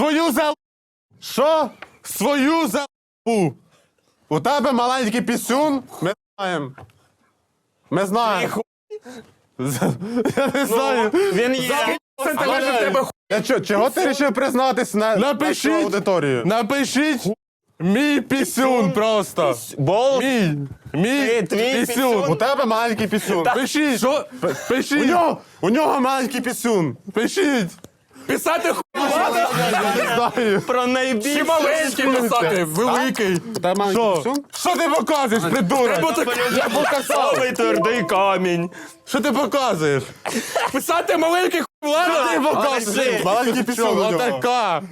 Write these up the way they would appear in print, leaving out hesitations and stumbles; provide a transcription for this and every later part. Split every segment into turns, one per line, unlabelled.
Свою залупу.
Що?
Свою залупу.
У тебе маленький пісюн? Ми знаємо. Ми знаємо.
Я не знаю.
Він є.
Сантиметрів в тебе
Чого ти вирішив признатись на
Напишіть.
нашу аудиторію?
Напишіть мій пісюн просто.
Бол.
Мій
Твій
пісюн.
У тебе маленький пісюн.
Пишіть. Що? Пишіть.
У нього маленький пісюн.
Пишіть.
писати
Я не знаю.
Про найбільше.
чи маленький писати, великий.
У тебе маленький
Що?
пісюн?
Що ти показуєш, придурок?
Я показав. Твердий камінь.
Що ти показуєш?
Писати маленький
Що ти
влада.
показуєш?
Маленький пісюн у нього.
Отака.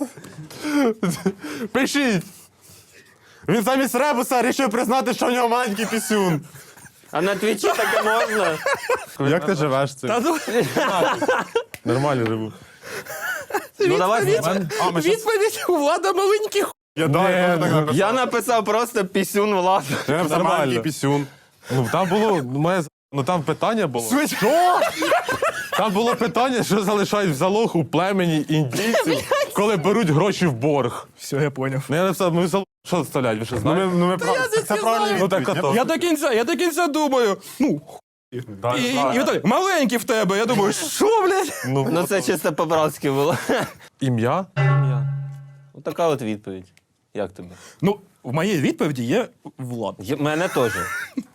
Пишіть.
Він замість ребуса вирішив признати, що у нього маленький пісюн.
А на твічі таке можна?
Як ти живеш з цим?
Нормально живу.
Ну давай.
Відповідь у влада маленький
Я так
Я написав просто пісюн влада.
написав маленький пісюн.
Ну там було там питання було.
Що?
Там було питання, що залишають в залог у племені індійців, коли беруть гроші в борг.
Все, я поняв.
Ну я написав, ми в залог що заставляють, ви що знаєте?
Це правильно.
Ну так ото.
Я до кінця думаю, ну, і Віталій, маленький в тебе. Я думаю, що, блядь?
Ну це чисто по-братськи було.
Ім'я?
Отака от відповідь. Як тобі?
Ну, в моїй відповіді є влад.
Мене теж.